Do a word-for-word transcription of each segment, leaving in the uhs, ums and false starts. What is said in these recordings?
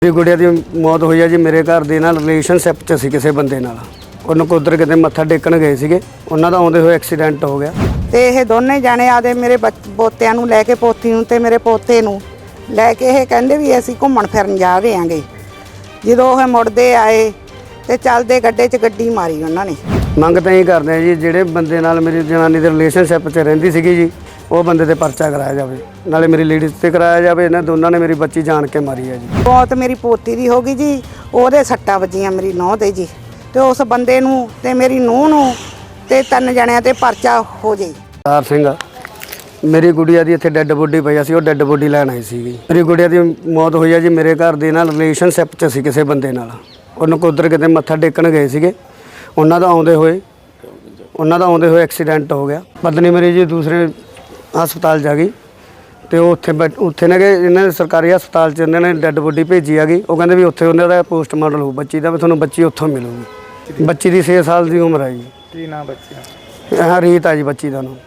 मेरी गुड़िया की मौत हुई है जी मेरे घर के नाल रिलेशनशिप च सी किसी बंदे नाल ਉਹਨੂੰ ਕੁਦਰ ਕਿਤੇ ਮੱਥਾ ਟੇਕਣ ਗਏ ਸੀਗੇ ਉਹਨਾਂ ਦਾ ਆਉਂਦੇ ਹੋਏ ਐਕਸੀਡੈਂਟ ਹੋ ਗਿਆ ਤੇ ਇਹ ਦੋਨੇ ਜਾਣੇ ਆਦੇ ਮੇਰੇ ਪੋਤਿਆਂ ਨੂੰ ਲੈ ਕੇ ਪੋਤੀ ਨੂੰ ਤੇ ਮੇਰੇ ਪੋਤੇ ਨੂੰ ਲੈ ਕੇ ਇਹ ਕਹਿੰਦੇ ਵੀ ਅਸੀਂ ਘੁੰਮਣ ਫਿਰਨ ਜਾ ਰਹੇ ਆਂਗੇ। ਜਦੋਂ ਉਹ ਮੁੜਦੇ ਆਏ ਤੇ ਚੱਲਦੇ ਗੱਡੇ 'ਚ ਗੱਡੀ ਮਾਰੀ ਉਹਨਾਂ ਨੇ। ਮੰਗ ਤਾਂ ਇਹ ਕਰਦੇ ਆ ਜੀ ਜਿਹੜੇ ਬੰਦੇ ਨਾਲ ਮੇਰੀ ਜਨਾਨੀ ਦੇ ਰਿਲੇਸ਼ਨਸ਼ਿਪ 'ਚ ਰਹਿੰਦੀ ਸੀਗੀ ਜੀ ਉਹ ਬੰਦੇ ਤੇ ਪਰਚਾ ਕਰਾਇਆ ਜਾਵੇ, ਨਾਲੇ ਮੇਰੀ ਲੇਡੀਜ਼ ਤੇ ਕਰਾਇਆ ਜਾਵੇ। ਇਹਨਾਂ ਦੋਨਾਂ ਨੇ ਮੇਰੀ ਬੱਚੀ ਜਾਣ ਕੇ ਮਾਰੀ ਹੈ ਜੀ। ਬਹੁਤ ਮੇਰੀ ਪੋਤੀ ਦੀ ਹੋ ਗਈ ਜੀ, ਉਹਦੇ ਸੱਟਾਂ ਵੱਜੀਆਂ ਮੇਰੀ ਨੂੰਹ ਦੇ ਜੀ, ਤੇ ਉਸ ਬੰਦੇ ਨੂੰ ਤੇ ਮੇਰੀ ਨੂੰਹ ਨੂੰ ਤੇ ਤਿੰਨ ਜਣਿਆਂ ਤੇ ਪਰਚਾ ਹੋ ਜੇ। ਤਾਰ ਸਿੰਘ ਮੇਰੀ ਗੁੜੀਆ ਦੀ ਇੱਥੇ ਡੈੱਡ ਬੋਡੀ ਪਈ ਸੀ, ਉਹ ਡੈੱਡ ਬੋਡੀ ਲੈਣ ਆਈ ਸੀਗੀ। ਮੇਰੀ ਗੁੜੀਆ ਦੀ ਮੌਤ ਹੋਈ ਹੈ ਜੀ ਮੇਰੇ ਘਰ ਦੇ ਨਾਲ ਰਿਲੇਸ਼ਨਸ਼ਿਪ 'ਚ ਸੀ ਕਿਸੇ ਬੰਦੇ ਨਾਲ। ਉਹਨੂੰ ਕੁਦਰ ਕਿਤੇ ਮੱਥਾ ਟੇਕਣ ਗਏ ਸੀਗੇ, ਉਹਨਾਂ ਦਾ ਆਉਂਦੇ ਹੋਏ ਉਹਨਾਂ ਦਾ ਆਉਂਦੇ ਹੋਏ ਐਕਸੀਡੈਂਟ ਹੋ ਗਿਆ। ਪਤਨੀ ਮੇਰੀ ਜੀ ਦੂਸਰੇ ਹਸਪਤਾਲ ਜਾ ਗਈ ਤੇ ਉਹ ਉੱਥੇ ਉੱਥੇ ਨੇ ਕਿ ਇਹਨਾਂ ਦੇ ਸਰਕਾਰੀ ਹਸਪਤਾਲ 'ਚ ਇਹਨਾਂ ਨੇ ਡੈੱਡ ਬੋਡੀ ਭੇਜੀ ਹੈਗੀ। ਉਹ ਕਹਿੰਦੇ ਵੀ ਉੱਥੇ ਉਹਨਾਂ ਦਾ ਪੋਸਟਮਾਰਟਮ ਹੋਊ ਬੱਚੀ ਦਾ, ਵੀ ਤੁਹਾਨੂੰ ਬੱਚੀ ਉੱਥੋਂ ਮਿਲੂਗੀ। ਬੱਚੀ ਦੀ ਛੇ ਸਾਲ ਦੀ ਉਮਰ ਹੈ ਜੀ। ਕੀ ਨਾਮ ਬੱਚੀ ਦਾ? ਹਾਂ ਰੀਤ ਆ ਜੀ ਬੱਚੀ ਦਾ ਨਾਮ।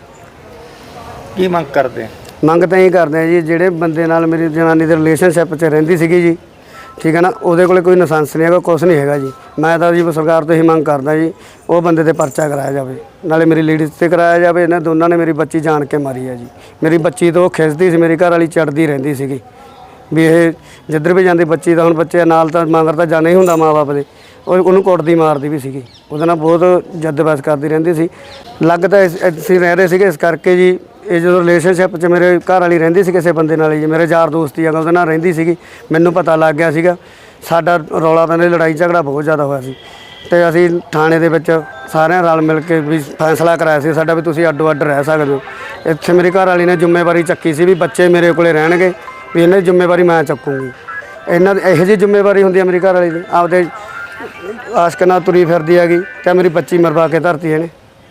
ਕੀ ਮੰਗ ਕਰਦੇ ਆ? ਮੰਗ ਤਾਂ ਇਹ ਕਰਦੇ ਆ ਜੀ ਜਿਹੜੇ ਬੰਦੇ ਨਾਲ ਮੇਰੀ ਜਨਾਨੀ ਦੇ ਰਿਲੇਸ਼ਨਸ਼ਿਪ 'ਚ ਰਹਿੰਦੀ ਸੀਗੀ ਜੀ, ਠੀਕ ਹੈ ਨਾ, ਉਹਦੇ ਕੋਲ ਕੋਈ ਲਾਇਸੈਂਸ ਨਹੀਂ ਹੈਗਾ, ਕੁਛ ਨਹੀਂ ਹੈਗਾ ਜੀ। ਮੈਂ ਤਾਂ ਜੀ ਸਰਕਾਰ ਤੋਂ ਹੀ ਮੰਗ ਕਰਦਾ ਜੀ ਉਹ ਬੰਦੇ ਤੇ ਪਰਚਾ ਕਰਾਇਆ ਜਾਵੇ, ਨਾਲੇ ਮੇਰੀ ਲੇਡੀਜ਼ ਤੇ ਕਰਾਇਆ ਜਾਵੇ। ਇਹਨਾਂ ਦੋਨਾਂ ਨੇ ਮੇਰੀ ਬੱਚੀ ਜਾਣ ਕੇ ਮਾਰੀ ਹੈ ਜੀ। ਮੇਰੀ ਬੱਚੀ ਤੋਂ ਖਿੱਚਦੀ ਸੀ, ਮੇਰੀ ਘਰ ਵਾਲੀ ਚੜਦੀ ਰਹਿੰਦੀ ਸੀਗੀ ਵੀ ਇਹ ਜਿੱਧਰ ਵੀ ਜਾਂਦੀ ਬੱਚੀ ਦਾ, ਹੁਣ ਬੱਚੇ ਨਾਲ ਤਾਂ ਮਗਰ ਤਾਂ ਜਾਣਾ ਹੀ ਹੁੰਦਾ ਮਾਂ ਬਾਪ ਦੇ, ਉਹ ਉਹਨੂੰ ਕੁੱਟਦੀ ਮਾਰਦੀ ਵੀ ਸੀਗੀ, ਉਹਦੇ ਨਾਲ ਬਹੁਤ ਜੱਦਬਹਿਸ ਕਰਦੀ ਰਹਿੰਦੀ ਸੀ। ਲੱਗ ਤਾਂ ਅਸੀਂ ਰਹਿ ਰਹੇ ਸੀਗੇ ਇਸ ਕਰਕੇ ਜੀ। ਇਹ ਜਦੋਂ ਰਿਲੇਸ਼ਨਸ਼ਿਪ 'ਚ ਮੇਰੇ ਘਰ ਵਾਲੀ ਰਹਿੰਦੀ ਸੀ ਕਿਸੇ ਬੰਦੇ ਨਾਲ ਜੀ, ਮੇਰੇ ਯਾਰ ਦੋਸਤੀ ਹੈਗਾ ਉਹਦੇ ਨਾਲ ਰਹਿੰਦੀ ਸੀਗੀ, ਮੈਨੂੰ ਪਤਾ ਲੱਗ ਗਿਆ ਸੀਗਾ। ਸਾਡਾ ਰੌਲਾ ਪੈਂਦੇ ਲੜਾਈ ਝਗੜਾ ਬਹੁਤ ਜ਼ਿਆਦਾ ਹੋਇਆ ਸੀ ਅਤੇ ਅਸੀਂ ਥਾਣੇ ਦੇ ਵਿੱਚ ਸਾਰਿਆਂ ਰਲ ਮਿਲ ਕੇ ਵੀ ਫੈਸਲਾ ਕਰਾਇਆ ਸੀ ਸਾਡਾ ਵੀ ਤੁਸੀਂ ਅੱਡੋ ਅੱਡ ਰਹਿ ਸਕਦੇ ਹੋ। ਇੱਥੇ ਮੇਰੀ ਘਰ ਵਾਲੀ ਨੇ ਜ਼ਿੰਮੇਵਾਰੀ ਚੱਕੀ ਸੀ ਵੀ ਬੱਚੇ ਮੇਰੇ ਕੋਲ ਰਹਿਣਗੇ, ਵੀ ਇਹਨਾਂ ਦੀ ਜ਼ਿੰਮੇਵਾਰੀ ਮੈਂ ਚੱਕੂੰਗੀ। ਇਹਨਾਂ ਦੀ ਇਹੋ ਜਿਹੀ ਜ਼ਿੰਮੇਵਾਰੀ ਹੁੰਦੀ ਹੈ ਮੇਰੀ ਘਰ ਵਾਲੀ ਦੀ, ਆਪਦੇ ਆਸ਼ਕ ਨਾਲ ਤੁਰੀ ਫਿਰਦੀ ਹੈਗੀ ਅਤੇ ਮੇਰੀ ਬੱਚੀ ਮਰਵਾ ਕੇ ਧਰਤੀ ਇਹਨੇ।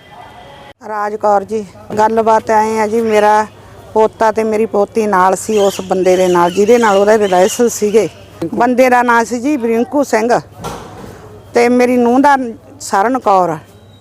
ਰਾਜ ਕੌਰ ਜੀ, ਗੱਲਬਾਤ ਐਂ ਆ ਜੀ, ਮੇਰਾ ਪੋਤਾ ਤੇ ਮੇਰੀ ਪੋਤੀ ਨਾਲ ਸੀ ਉਸ ਬੰਦੇ ਦੇ ਨਾਲ ਜਿਹਦੇ ਨਾਲ ਉਹਦੇ ਰਿਲੇਸ਼ਨ ਸੀਗੇ। ਬੰਦੇ ਦਾ ਨਾਂ ਸੀ ਜੀ ਬ੍ਰਿੰਕੂ ਸਿੰਘ ਤੇ ਮੇਰੀ ਨੂੰਹ ਦਾ ਸਰਨ ਕੌਰ।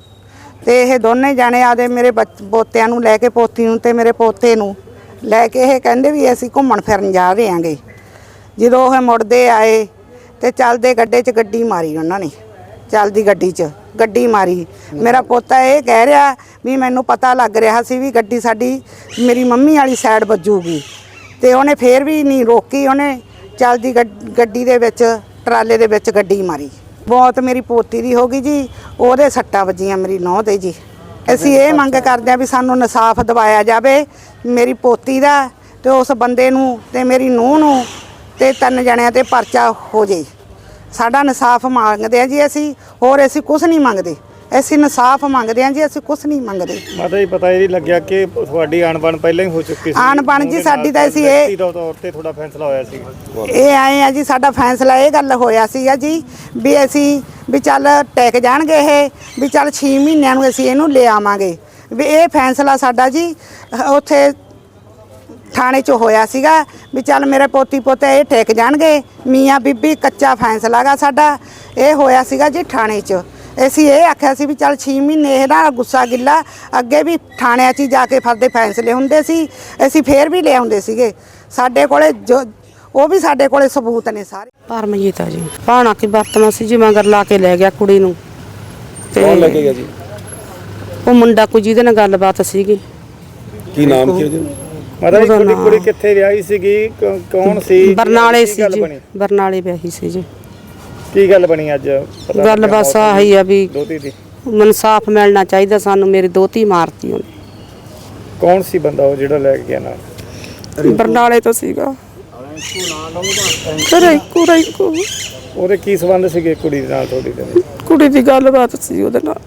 ਤੇ ਇਹ ਦੋਨੇ ਜਾਣੇ ਆਦੇ ਮੇਰੇ ਪੋਤਿਆਂ ਨੂੰ ਲੈ ਕੇ ਪੋਤੀ ਨੂੰ ਤੇ ਮੇਰੇ ਪੋਤੇ ਨੂੰ ਲੈ ਕੇ ਇਹ ਕਹਿੰਦੇ ਵੀ ਅਸੀਂ ਘੁੰਮਣ ਫਿਰਨ ਜਾ ਰਹੇ ਆਂਗੇ। ਜਦੋਂ ਉਹ ਮੁੜਦੇ ਆਏ ਤੇ ਚੱਲਦੇ ਗੱਡੇ 'ਚ ਗੱਡੀ ਮਾਰੀ ਉਹਨਾਂ ਨੇ, ਚੱਲਦੀ ਗੱਡੀ 'ਚ ਗੱਡੀ ਮਾਰੀ। ਮੇਰਾ ਪੋਤਾ ਇਹ ਕਹਿ ਰਿਹਾ ਵੀ ਮੈਨੂੰ ਪਤਾ ਲੱਗ ਰਿਹਾ ਸੀ ਵੀ ਗੱਡੀ ਸਾਡੀ ਮੇਰੀ ਮੰਮੀ ਵਾਲੀ ਸਾਈਡ ਵੱਜੂਗੀ, ਤੇ ਉਹਨੇ ਫੇਰ ਵੀ ਨਹੀਂ ਰੋਕੀ, ਉਹਨੇ ਚੱਲਦੀ ਗੱਡੀ ਦੇ ਵਿੱਚ ਟਰਾਲੇ ਦੇ ਵਿੱਚ ਗੱਡੀ ਮਾਰੀ। ਬਹੁਤ ਮੇਰੀ ਪੋਤੀ ਦੀ ਹੋ ਗਈ ਜੀ, ਉਹਦੇ ਸੱਟਾਂ ਵੱਜੀਆਂ ਮੇਰੀ ਨੂੰਹ ਦੇ ਜੀ। ਅਸੀਂ ਇਹ ਮੰਗ ਕਰਦੇ ਹਾਂ ਵੀ ਸਾਨੂੰ ਇਨਸਾਫ ਦਿਵਾਇਆ ਜਾਵੇ ਮੇਰੀ ਪੋਤੀ ਦਾ, ਤੇ ਉਸ ਬੰਦੇ ਨੂੰ ਤੇ ਮੇਰੀ ਨੂੰਹ ਨੂੰ ਤੇ ਤਿੰਨ ਜਣਿਆਂ ਤੇ ਪਰਚਾ ਹੋ ਜੇ। ਸਾਡਾ ਇਨਸਾਫ ਮੰਗਦੇ ਆ ਜੀ ਅਸੀਂ, ਹੋਰ ਅਸੀਂ ਕੁਛ ਨਹੀਂ ਮੰਗਦੇ, ਅਸੀਂ ਇਨਸਾਫ ਮੰਗਦੇ ਆ ਜੀ, ਅਸੀਂ ਕੁਛ ਨਹੀਂ ਮੰਗਦੇ। ਮਾਤਾ ਜੀ ਪਤਾ ਇਹ ਨਹੀਂ ਲੱਗਿਆ ਕਿ ਤੁਹਾਡੀ ਅਣਬਣ ਪਹਿਲਾਂ ਹੀ ਹੋ ਚੁੱਕੀ ਸੀ? ਅਣਬਣ ਜੀ ਸਾਡੀ ਤਾਂ ਅਸੀਂ ਇਹ ਤੌਰ ਤੇ ਤੁਹਾਡਾ ਫੈਸਲਾ ਹੋਇਆ ਸੀ? ਇਹ ਆਏ ਆ ਜੀ, ਸਾਡਾ ਫੈਸਲਾ ਇਹ ਗੱਲ ਹੋਇਆ ਸੀਗਾ ਜੀ ਵੀ ਅਸੀਂ ਵੀ ਚੱਲ ਟੈਕ ਜਾਣਗੇ ਇਹ, ਵੀ ਚੱਲ ਛੇ ਮਹੀਨਿਆਂ ਨੂੰ ਅਸੀਂ ਇਹਨੂੰ ਲੈ ਆਵਾਂਗੇ। ਵੀ ਇਹ ਫੈਸਲਾ ਸਾਡਾ ਜੀ ਉੱਥੇ ਥਾਣੇ 'ਚ ਹੋਇਆ ਸੀਗਾ ਵੀ ਚੱਲ ਮੇਰੇ ਪੋਤੀ ਪੋਤੇ ਇਹ ਟਿਕ ਜਾਣਗੇ, ਮੀਆਂ ਬੀਬੀ ਕੱਚਾ ਫੈਸਲਾ ਗਾ ਸਾਡਾ ਇਹ ਹੋਇਆ ਸੀਗਾ ਜੀ ਥਾਣੇ 'ਚ। ਅਸੀਂ ਇਹ ਆਖਿਆ ਸੀ ਵੀ ਚੱਲ ਛੇ ਮਹੀਨੇ ਇਹ ਨਾ ਗੁੱਸਾ ਗਿੱਲਾ, ਅੱਗੇ ਵੀ ਥਾਣਿਆਂ 'ਚ ਜਾ ਕੇ ਫਰਦੇ ਫੈਸਲੇ ਹੁੰਦੇ ਸੀ, ਅਸੀਂ ਫੇਰ ਵੀ ਲੈ ਆਉਂਦੇ ਸੀਗੇ। ਸਾਡੇ ਕੋਲੇ ਜੋ ਉਹ ਵੀ ਸਾਡੇ ਕੋਲੇ ਸਬੂਤ ਨੇ ਸਾਰੇ। ਪਰਮਜੀਤ ਆ ਜੀ, ਭਾਣਾ ਕੀ ਵਰਤਣਾ ਸੀ ਜੀ, ਮਗਰ ਲਾ ਕੇ ਲੈ ਗਿਆ ਕੁੜੀ ਨੂੰ। ਕੌਣ ਲੈ ਕੇ ਗਿਆ ਜੀ? ਉਹ ਮੁੰਡਾ ਕੋਈ ਜਿਹਦੇ ਨਾਲ ਗੱਲਬਾਤ ਸੀਗੀ। ਕੀ ਨਾਮ ਕੀ ਉਹਦਾ? ਮਾਤਾ ਜੀ ਤੁਹਾਡੀ ਕੁੜੀ ਕਿੱਥੇ ਵਿਆਹੀ ਸੀਗੀ, ਕੌਣ ਸੀ? ਬਰਨਾਲੇ ਸੀ ਜੀ, ਬਰਨਾਲੇ ਵਿਆਹੀ ਸੀ ਜੀ। ਕੀ ਗੱਲ ਬਣੀ ਅੱਜ? ਗੱਲ ਬਸ ਆਹੀ ਆ ਵੀ ਦੋਤੀ ਦੀ ਇਨਸਾਫ ਮਿਲਣਾ ਚਾਹੀਦਾ ਸਾਨੂੰ, ਮੇਰੀ ਦੋਤੀ ਮਾਰਤੀ ਉਹਨੇ। ਕੌਣ ਸੀ ਬੰਦਾ ਉਹ ਜਿਹੜਾ ਲੈ ਕੇ ਗਿਆ ਨਾਲ? ਬਰਨਾਲੇ ਤੋਂ ਸੀਗਾ ਰੈਂਕੂ ਰੈਂਕੂ। ਉਹਦੇ ਕੀ ਸੰਬੰਧ ਸੀਗੇ ਕੁੜੀ ਦੇ ਨਾਲ ਤੁਹਾਡੀ ਦੇ? ਕੁੜੀ ਦੀ ਗੱਲਬਾਤ ਸੀ ਉਹਦੇ ਨਾਲ।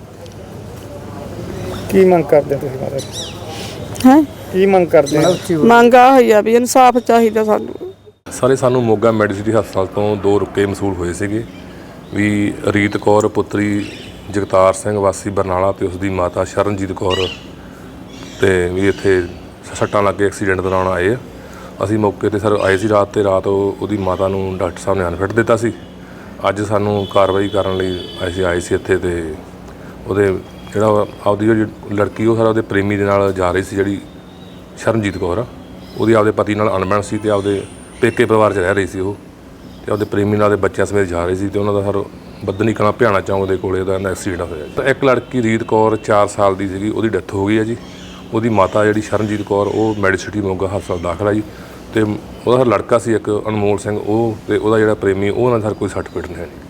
ਕੀ ਮੰਗ ਕਰਦੇ ਤੁਸੀਂ ਮਾਤਾ ਜੀ? ਹੈ ਕੀ ਮੰਗ ਕਰਦੇ ਆ? ਮੰਗ ਆ ਹੋਈ ਆ ਵੀ ਇਨਸਾਫ ਚਾਹੀਦਾ ਸਾਨੂੰ। ਸਾਰੇ ਸਾਨੂੰ ਮੋਗਾ ਮੈਡੀਸਿਟੀ ਹਸਪਤਾਲ ਤੋਂ ਦੋ ਰੁਕੇ ਮਸੂਲ ਹੋਏ ਸੀਗੇ ਵੀ ਰੀਤ ਕੌਰ ਪੁੱਤਰੀ ਜਗਤਾਰ ਸਿੰਘ ਵਾਸੀ ਬਰਨਾਲਾ ਤੇ ਉਸਦੀ ਮਾਤਾ ਸ਼ਰਨਜੀਤ ਕੌਰ ਤੇ ਵੀ ਇੱਥੇ ਸੱਟਾਂ ਲੱਗ ਕੇ ਐਕਸੀਡੈਂਟ ਦੌਰਾਨ ਆਏ ਆ। ਅਸੀਂ ਮੌਕੇ ਤੇ ਸਰ ਆਏ ਸੀ ਰਾਤ, ਤੇ ਰਾਤ ਉਹਦੀ ਮਾਤਾ ਨੂੰ ਡਾਕਟਰ ਸਾਹਿਬ ਨੇ ਅਨਫਿਟ ਦਿੱਤਾ ਸੀ। ਅੱਜ ਸਾਨੂੰ ਕਾਰਵਾਈ ਕਰਨ ਲਈ ਅਸੀਂ ਆਏ ਸੀ ਇੱਥੇ, ਤੇ ਉਹਦੇ ਜਿਹੜਾ ਆਪਦੀ ਜਿਹੜੀ ਲੜਕੀ ਉਹ ਸਾਰਾ ਉਹਦੇ ਪ੍ਰੇਮੀ ਦੇ ਨਾਲ ਜਾ ਰਹੀ ਸੀ, ਜਿਹੜੀ ਸ਼ਰਨਜੀਤ ਕੌਰ ਆ, ਉਹਦੀ ਆਪਦੇ ਪਤੀ ਨਾਲ ਅਣਬਣ ਸੀ ਤੇ ਆਪਦੇ ਪੇਕੇ ਪਰਿਵਾਰ 'ਚ ਰਹਿ ਰਹੀ ਸੀ ਉਹ। ਤੇ ਉਹਦੇ ਪ੍ਰੇਮੀ ਨਾਲ ਦੇ ਬੱਚਿਆਂ ਸਮੇਤ ਜਾ ਰਹੇ ਸੀ ਤੇ ਉਹਨਾਂ ਦਾ ਹਰ ਬੱਦਨੀ ਕਲਾਂ ਭਿਆਣਾ ਚੌਂਕ ਦੇ ਕੋਲੇ ਦਾ ਐਕਸੀਡੈਂਟ ਹੋਇਆ ਜੀ। ਤਾਂ ਇੱਕ ਲੜਕੀ ਰੀਤ ਕੌਰ ਚਾਰ ਸਾਲ ਦੀ ਸੀਗੀ, ਉਹਦੀ ਡੈਥ ਹੋ ਗਈ ਹੈ ਜੀ। ਉਹਦੀ ਮਾਤਾ ਜਿਹੜੀ ਸ਼ਰਨਜੀਤ ਕੌਰ ਉਹ ਮੈਡੀਸਿਟੀ ਮੋਗਾ ਹਸਪਤਾਲ ਦਾਖਲ ਆ ਜੀ। ਤੇ ਉਹਦਾ ਲੜਕਾ ਸੀ ਇੱਕ ਅਨਮੋਲ ਸਿੰਘ, ਉਹ ਤੇ ਉਹਦਾ ਜਿਹੜਾ ਪ੍ਰੇਮੀ ਉਹ ਨਾਲ ਸਰ ਕੋਈ ਸੱਟ ਫੇਟ ਨਹੀਂ ਹੈ।